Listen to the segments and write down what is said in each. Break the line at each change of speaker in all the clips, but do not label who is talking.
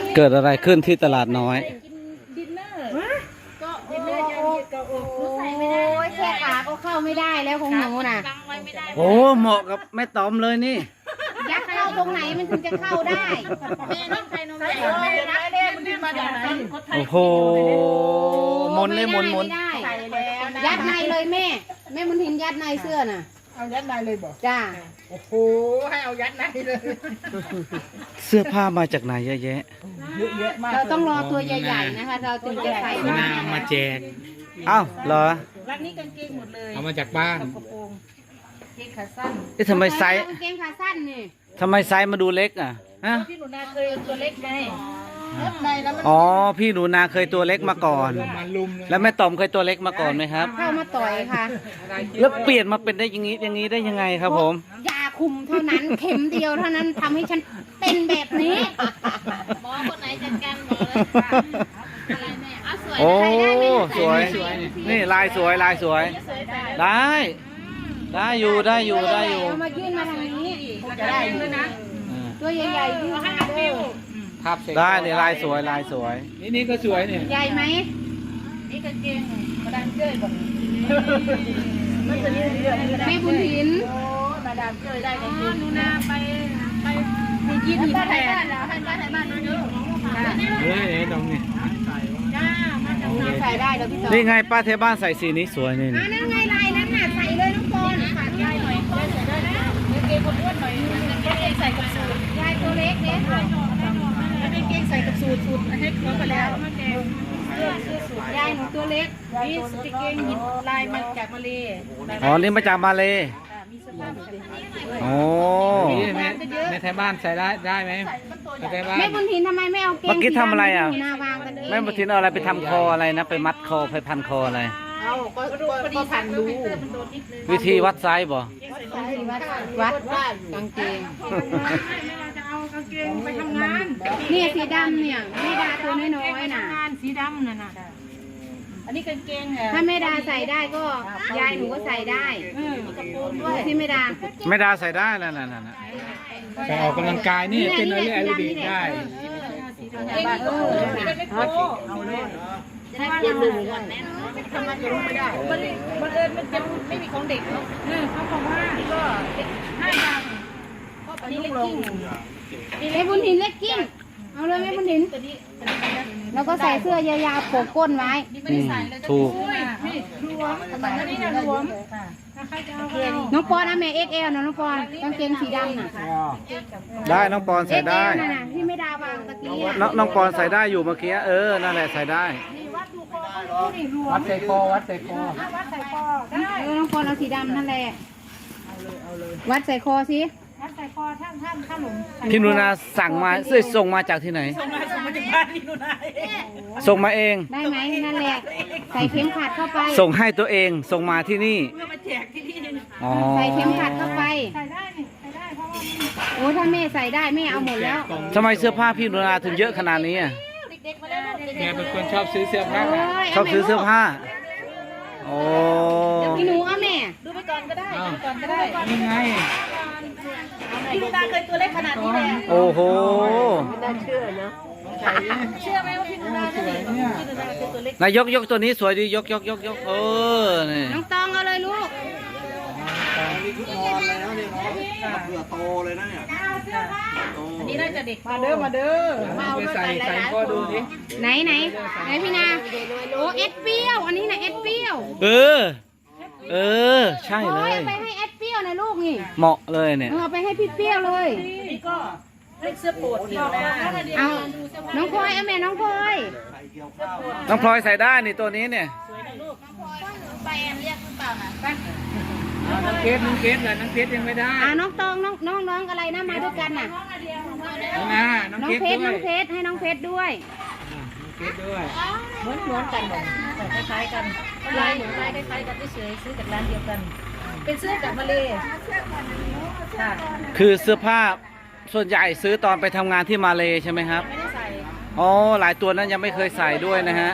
เกิดอะไรขึ้นที่ตลาดน้อย
ดินเนอร์ก็ดินเนอร์ยังยืดก็ใส่ไม่ได้แค่ขาก็เข้าไม่ได้แล้วของหนูน่ะ
โอ้เหมาะกับแม่ตอมเลยนี่
ยัดเข้าตรงไหนมันถึงจะเข้าได้แม่น้องใครน้องแม่แม่มันมาจากไหน
โอ้โหมนเลยมน
ยัดในเลยแม่มันเห็นยัดในเสื้อน่ะ
เอายัดในเลยบอก
จ้า
โอ้โหให้เอายัดในเลย
เสื้อผ้ามาจากไหนเยอะแยะ
เยอะมาก
เราต้องรอตัวใหญ่ๆนะคะเราถึงจะใส่ได้
มาแจก
อ้าวเหรอ
รักนี้กางเกงหมดเลย
เอามาจากบ้าน
กระโปรงเกงขาสั้น
ทำไมไซส์
เกงขาสั้นนี่
ทำไมไซส์มาดูเล็กอ่ะฮะ
พี่หนูนาเคยตัวเล็กไงในแล้วมัน
อ๋อพี่หนูนาเคยตัวเล็กมาก่อนแล้วแม่ตอมเคยตัวเล็กมาก่อนไหมครับ
เข้ามาต่อยค่ะ
แล้วเปลี่ยนมาเป็นได้อย่างนี้ได้ยังไงครับผม
ยาคุมเท่านั้นเข็มเดียวเท่านั้นทำให้ฉันเป็นแบบนี้หมอคนไหนจัดการหมอเลยอะไรแม่เอาสวย
โอ้สวยนี่ลายสวยได้อยู่
เอามายื่นมาทางนี้จะได้ด้วยนะตัวใหญ่ๆยื่นให้อัพฟิว
ได้เนี่ยลายสวย
นี่ก็สวยเนี่ย
ใหญ่ไหม
นี่กางเกงมาดามเจ้ยบอก
แม่บุญถิน
มาดามเจ้ยได้กางเกง
หนูนาไปยืนหินแทน
ให้บ้านน้อยเยอะ
ตรงนี้
จ้ามาจากนาใส่ได้แล้วพี่ต่อ
นี่ไงป้าเทบ้านใส่สีนี้สวยนี่
นั่นไงลายนั้นน่ะใส่เลยน้องปอนขาดยายหน่อยใส่ได้นะกางเกงคนอ้วนหน่อยกางเกงใส่กับสูทยายตัวเล็กเนี่ย
แล้วกางเกงใส่กับสูทให้เขาไปแล้ว
เสื้อสูทยายหนูตัวเล็ก
นี่กางเกงหินลายมาจากมาเล
อ๋อนี่มาจากมาเล
มีเสื้อผ้าแบบนี้
โอ้
ในแถวบ้านใส่ได้ไหม
แม่บุญถินทำไมไม่เอาเกง
เมื่อกี้ทำอะไรอ่ะ
แม่
บุญถินเอาอะไรไปทำคออะไรนะไปมัดคอไปพันคออะไร
เอาก็ผ่านดู
วิธีวัดไซส์บ่
วัดกางเกง
จะเอากางเกงไปทำงาน
เนี่ยสีดำเนี่ยแม่ดาตัวน้อยๆน่ะ
สีดำน่ะอันนี้กางเกง
ถ้าแม่ดาใส่ได้ก็ยายหนูก็ใส่ได้กระโปรงด้วยที่แม่ดา
ใส่ได้นั่น
ไปออกกำลังกายนี่เป็นอะไรดีได้
ถ้าเย็นเลยทำงานจะรู้ไม่ได้มันจะไม่มีของเด็กเนาะเขาบอกว่าก็5 อันนี้เล็กกิ้ง
แม่บุญถินเล็กกิ้งเอาเลยแม่บุญถินแล้วก็ใส่เสื้อยาวๆโผล่ก้นไว้
ถูก
รวมอันนี้นะรวม
น้องปอนนะแม่ XL นะน้องปอนกางเกงสีดำน่ะ
ได้น้องปอนใส่ได้
ที่ไม่ดาวางตะกี้
น้องปอนใส่ได้อยู่เมื่อกี้นั่นแหละใส่ได้
วัดใส่คอ
ได้
น้องปอนเอาสีดำนั่นแหละวัดใส่คอสิ
วัดใส่คอถ้าหลุม
พี่นุนาสั่งมาส่งมาจากที่ไหน
ส่งมาจากบ้านพี่นุนา
ส่งมาเอง
ได้ไหมนั่นแหละใส่เข็มขัดเข้าไป
ส่งให้ตัวเองส่งมาที่นี่
เพื่อมาแจกที่นี่
ใส่เข็มขัดเข้าไป
ใส่ได้เพราะว่า
โอ้ถ้าแม่ใส่ได้แม่เอาหมดแล้ว
ทำไมเสื้อผ้าพี่นุนาถึงเยอะขนาดนี้อ่ะ
แกเป็นคนชอบซื้อเสื้อผ้า
ชอบซื้อเสื้อผ้าโอ้
พี่หนูเอาแม่
ดูไปก่อนก็ได้
ยังไง
พี่นุนาเคยตัวเล็กขนาดนี้เลย
โอ้โห
ไม่น่าเชื่อนะเชื่อไหมว่าพี่นุนาเนี่ยพี่นุนาเป็นตัวเล็ก
นายยกตัวนี้สวยดียกนี่
น้องตองเอาเลยลูก
นี่ชุดนอนแล้วเนี่ยเนาะเผื่อโตเลยนะเนี่ย
อันนี้น่าจะเด็ก
มาเด้อมาใส่ก็ดูดิ
ไหนพี่นาโอ้เอ็ดเปรี้ยวอันนี้นะเอ็ดเปรี้ยว
ใช่เลย
เอาไปให้เอ็ดเปรี้ยวนะลูกนี่
เหมาะเลยเนี่ย
เอาไปให้พี่เปรี้ยวเลย
นี่ก็เล็กเสื้อโปรดเดียวนะ
เอาน้องพลอยเอาแม่น้องพล
อยใส่ได้นี่ตัวนี้เนี่ย
ไปเรียกหรือเปล่านะ
น้องเพชรยังไม่ได้
น้องตองน้องอะไรนะมาด้วยกันน่ะ
น้
องเพชรให้น้องเพชรด้วย
เหมือนกันหมดแต่คล้ายๆกันลายคล้ายๆกันเฉยๆซื้อจากร้านเดียวกันเป็นเสื้อจากมาเลค่ะ
คือเสื้อผ้าส่วนใหญ่ซื้อตอนไปทำงานที่มาเลใช่ไหมครับ
ไม่ได้ใส่
อ๋อหลายตัวนั้นยังไม่เคยใส่ด้วยนะฮะ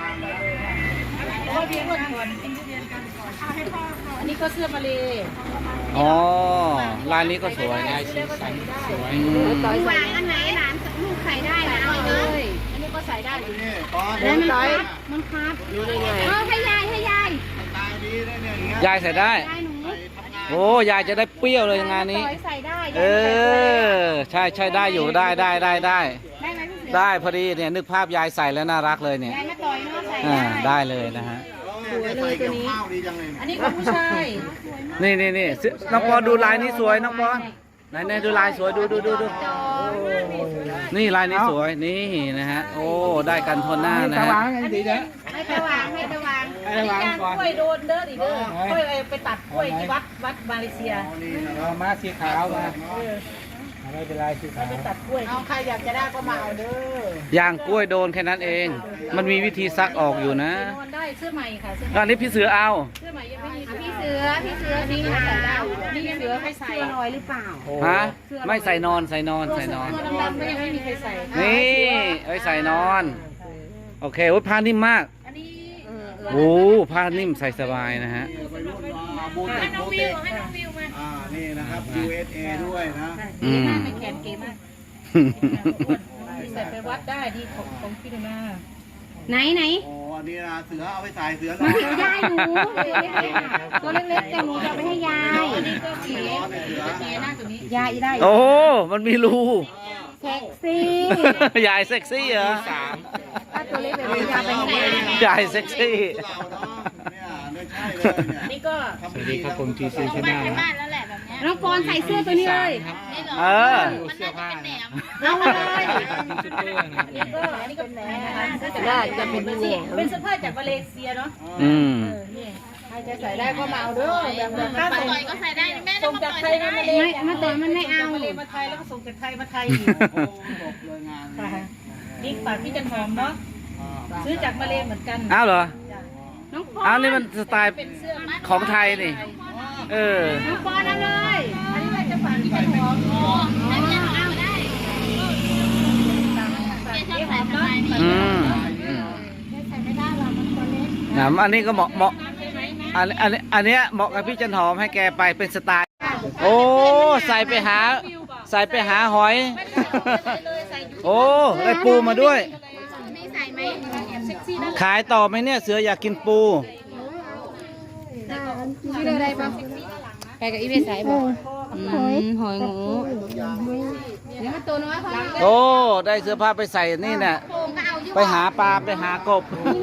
อันนี้ก็เสื้อมาเล
อ๋อลายนี้ก็สวยลายสีสันสวย
วางอันไหนหลานลูกใส่ได้นะ
ก็ใส่ได้อยู่
นี่ตอน
แล้วมันครับให้ยาย
ตายดีได้เนี่ยอย่างเงี้ย
ยายใส่ได้
ยายหนู
โอ้ยายจะได้เปรี้ยวเลยงานนี้
ต่อยใส่ได้
เออ ใช่ใช่ได้อยู่ได้
ได้ไหมพี่เสือ
ได้พอดีเนี่ยนึกภาพยายใส่แล้วน่ารักเลยเนี่ย
ยายมาต่อยเนาะใส่
อ่า
ได้
ได้เลยนะฮะ
สวยเลยตัวนี้ข้าวดีจังเลย
อันนี้ของผู้ชาย
นี่น้องปอนดูลายนี้สวยน้องปอนไหนดูลายสวยดูนี่ลายนี้สวยนี่นะฮะโอ้ได้กันทนหน้านะ
ตะ
ฮะ
วางกันดีนะ
ให้ตะวาง
ให้
อั
ตะ
น
วาง
นี้
ก่อน
กล้วยโดนเด้อดิเด้อกล้วยไปตัดกล้วยที่วัดมาเลเซีย
เอามาสีขาวมาไม่เป็นไรสีขาว
ไปตัดกล้วยเอาใครอยากจะได้ก็มาเอาเด้
ย่างกล้วยโดนแค่นั้นเอง มันมีวิธีซักออกอยู่นะ
นอนได้เสื้อใหม่ค่ะเสื้อ
อันนี้พี่เสือเอา
ใหม่ยังไม่มี
พี่เสือสีขาวนี่เสือให้ใส่ลอยหรือเปล่า
ฮะไม่ใส่นอน
ตัวดำๆก็ยังไม่มีใครใส่
นี่ไว้ใส่นอน โอเคโอ้ยผ้านิ่มมาก
อันนี้
โอ้ผ้านิ่มใส่สบายนะฮะ
บุญ
ให้น้อง
โป
วิ
เต
วให้น้องวิวมา
นี่นะครับ USA ด้วยนะ
อืม
ไม่แขนเก๋มากใส่ไปวัดได้ดีของพี่ดูนา
ไหน
โอ้อันนี้นะเสือเอาไปใส่เสือ
มาถึงยายหนูตัวเล็กๆแต่หนูจะไปให้ยาย
อันนี้ก็เก๋เก๋หน้าตัวนี้
ยายได้
โอ้มันมีรู
เซ็กซี่
ยายเซ็กซี่เหรอ
ถ้าตัวเล็กแบบนี้ยายไปให้ยาย
ยายเซ็กซี่
เนี่ยไม่ใช่เลยเนี่ย
นี่ก็
สวัสดีครับผม GC ชนะนะ
บ้านแล้วแหละแบบนี้น้องปอนใส่เสื้อตัวนี้เลย
เออ
เสื้อผ้านะ
เอาเลย
ชุดเปื้อนนะ
อันนี้ก็แหนนะคะจะเป็นเป็นเสื้อผ้าจากมาเลเซียเนาะ
อืม
นี่ใครจะใส่ได้ก็มาเอาเด้อแบบถ้าใส่ก็ใส่ได้แม่ส่งจากไทยมาเล
มาต่อยมันไม่เอา
มาเลมาไทยแล้วก็ส่งจากไทยมาไทยอีก
โอ้จบเลยงาน
ค่ะนี่ฝากพี่จันหอมเนาะซื้อจากมาเลเหมือนกัน
อ้าวเหรอ
น้องปอ
อ้าวน นี่มันสไตล์
เป็นเสื้อมัด
ของไทยนี่ เออ
น้องปอนเอาเลย
อันนี้ว่าจะฝากพี่จันหอมได้พี่จันหอมได้พี่หอมเนาะ
อืมอันนี้ก็เหมาะอันเนี้ยเหมาะกับพี่จันหอมให้แกไปเป็นสไตล์ โอ้ใส่ไปหาหอย โอ้ได้ปูมาด้วย
มีใส่ไหม
ขายต่อไหมเนี่ยเสืออยากกินปู
ชื่ออะไรบ้างไปกับอีเวสายบอกหอยงูเดี๋ยวมาตัวน้อยเขา
โอ้ได้เสื้อผ้าไปใส่นี่น่ะ
โป่งก็เอาอยู่
ไปหาปลาไปหากบ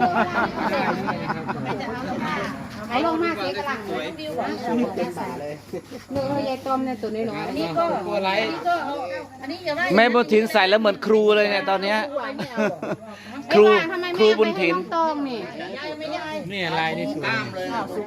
ไหนลงมาสีกระหลังวิวเนื้อยายต้มเนี่ยตัวน้อยๆนี่ก็
ตัวไร
ก็เอาอันนี้อย่าได้
แม่บุญถินใส่แล้วเหมือนครูเลยเนี่ยตอนเนี้ยครูบุญถิน
ตองนี่
ไม่ได้
นี่ลายนี่สวย